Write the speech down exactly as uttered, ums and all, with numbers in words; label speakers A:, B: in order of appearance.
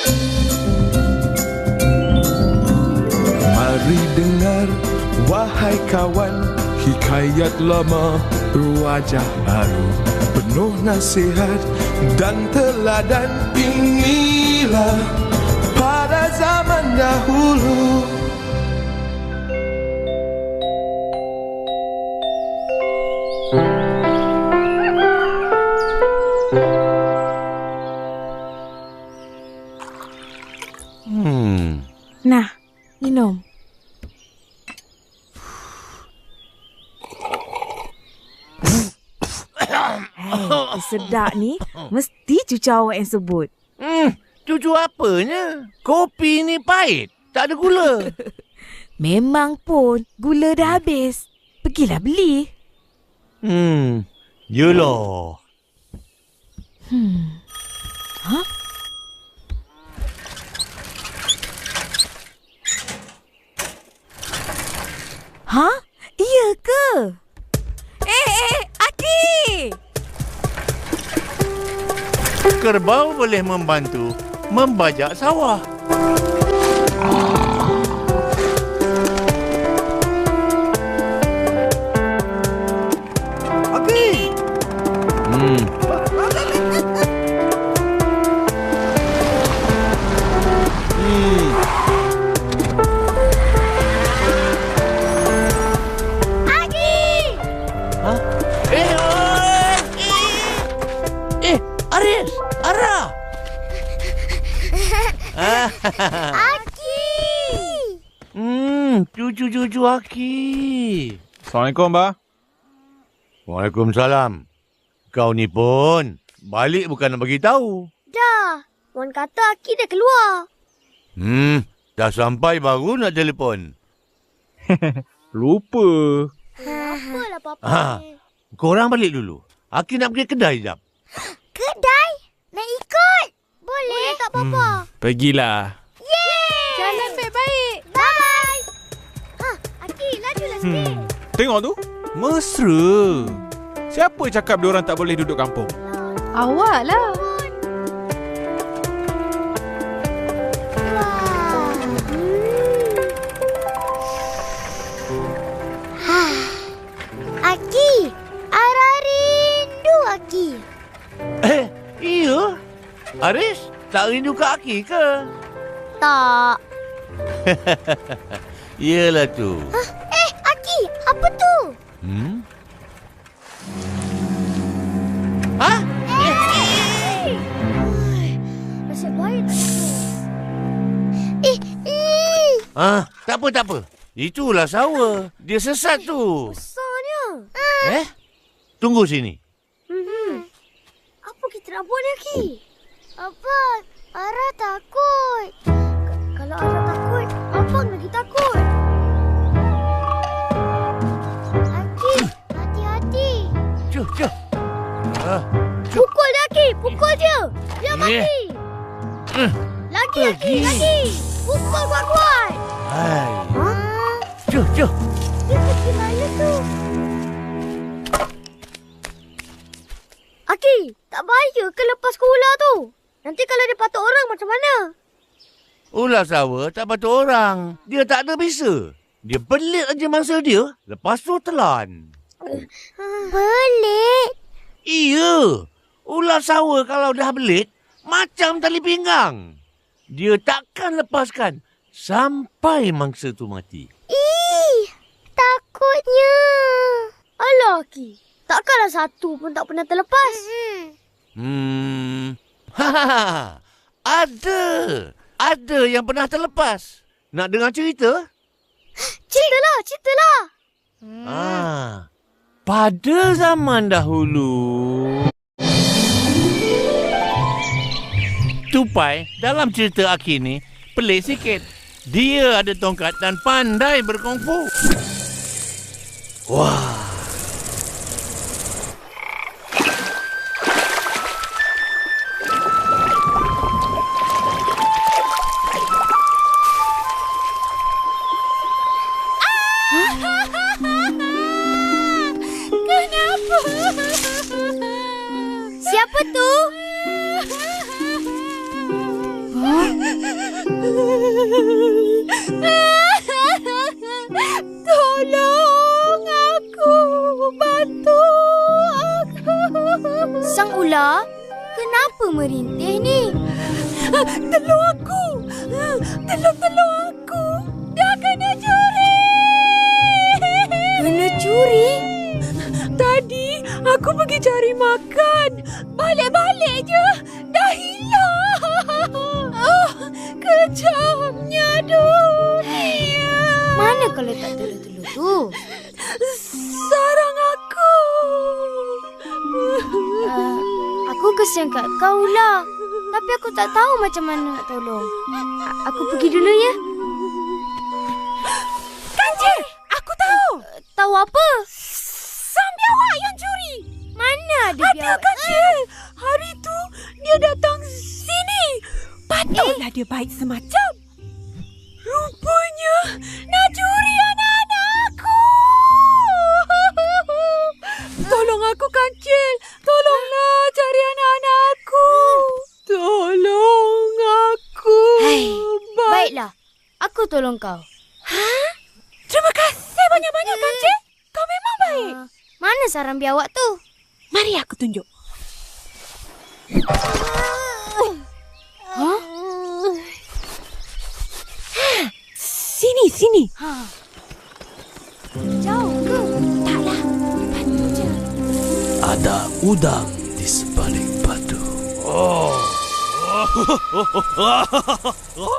A: Mari dengar, wahai kawan, hikayat lama berwajah baru, penuh nasihat dan teladan. Inilah pada zaman dahulu.
B: Hmm.
C: Nah, minum. Hey, sedap ni mesti cucu awak yang sebut.
B: Hmm, cucu apanya? Kopi ni pahit, tak ada gula.
C: Memang pun gula dah habis. Pergilah beli.
B: Hmm, yelah.
C: Hmm. Ha? Ha? Iya ke? Eh, eh, Aki!
B: Kerbau boleh membantu membajak sawah.
D: Aki!
B: Hmm. Hmm.
E: Aki!
B: Hah? Eh, oh, eh. Eh, Aris, Ara.
E: Aki!
B: Hmm, cucu-cucu Aki.
F: Assalamualaikum, Bah.
B: Waalaikumsalam. Kau ni pun balik bukan nak bagi tahu.
E: Dah, Wan kata Aki dah keluar.
B: Hmm, dah sampai baru nak telefon.
F: Lupa.
E: Apalah papa
B: Ha.
E: ni.
B: Korang balik dulu. Aki nak pergi kedai jap.
E: Kedai? Nak ikut? Boleh tak papa?
F: Hmm, pergilah.
E: Yeay! Jalan baik-baik. Bye! Ha, Aki, lajulah sikit.
F: Hmm, tengok tu. Mesra. Siapa cakap diorang tak boleh duduk kampung?
C: Awak lah.
E: Aki, Ara rindu Aki.
B: Eh, iya. Aris, tak rindu Kak Aki ke?
E: Tak.
B: Yelah tu.
E: Hah? Eh, Aki, apa tu?
B: Hmm? Hah?
E: Eh! Nasib baik tak jatuh. Eh, eh.
B: Ah, tak apa, tak apa. Itulah sawa. Dia sesat tu.
E: Besarnya.
B: Eh? Tunggu sini.
E: Hmm. Apa kita nak buat ni, Aki? Apa? Ara takut. K- kalau Ara takut, Abang lagi takut. Aki, hati-hati.
B: Cuh, cuh. Ah,
E: Pukul dia, Aki. Pukul dia. Dia
B: Eh.
E: mati.
B: eh.
E: Lagi, Aki.
B: Pergi.
E: Lagi. Pukul kuat-kuat.
B: Hai.
E: Ha?
B: Cuh, cuh.
E: Dia pergi mana tu? Aki, tak bahaya ke lepas ke ular tu? Nanti kalau dia patuk orang macam mana?
B: Ular sawa tak patut orang. Dia tak ada bisa. Dia belit aja mangsa dia. Lepas tu telan.
E: Belit?
B: Iya. Ular sawa kalau dah belit, macam tali pinggang. Dia takkan lepaskan sampai mangsa tu mati.
E: Ih, takutnya. Alah, Aki. Takkanlah satu pun tak pernah terlepas.
B: Hmm. Ha, ada. Ada yang pernah terlepas. Nak dengar cerita?
E: Ceritalah, ceritalah.
B: Ah. Pada zaman dahulu, Tupai dalam cerita Aki ni pelik sikit. Dia ada tongkat dan pandai berkungfu. Wah.
E: Kenapa? Siapa tu?
C: Ha? Tolong aku. Bantu aku.
E: Sang ular, kenapa merintih ni?
C: Tolong aku. Tolong-tolong aku. Dah kena curi.
E: Kena curi?
C: Tadi aku pergi cari makan. Balik-balik je. Dah hilang. Oh, kejamnya dunia.
E: Mana kalau tak telur-telur tu?
C: Sarang aku.
E: Uh, aku kesian kat kau lah. Tapi aku tak tahu macam mana nak tolong. A- aku pergi dulu ya.
C: Kancil, aku tahu.
E: Uh, tahu apa?
C: Sang biawak yang curi.
E: Mana ada
C: Ada
E: biawak?
C: Kancil. Hari tu dia datang sini. Patutlah dia baik semacam. Rupanya nak curi anak-anakku. Tolong aku, Kancil. Tolonglah cari anak-anakku. Tolong aku.
E: Hai,
C: Ba-
E: baiklah. Aku tolong kau.
C: Terima kasih banyak-banyak, Kancil. Kau memang baik.
E: Uh, mana sarang biawak tu?
C: Mari aku tunjuk.
E: Hah?
C: Sini, sini.
E: Ha. Jauh ke?
C: Taklah. Bantu je.
B: Ada udang di sebalik batu. Oh.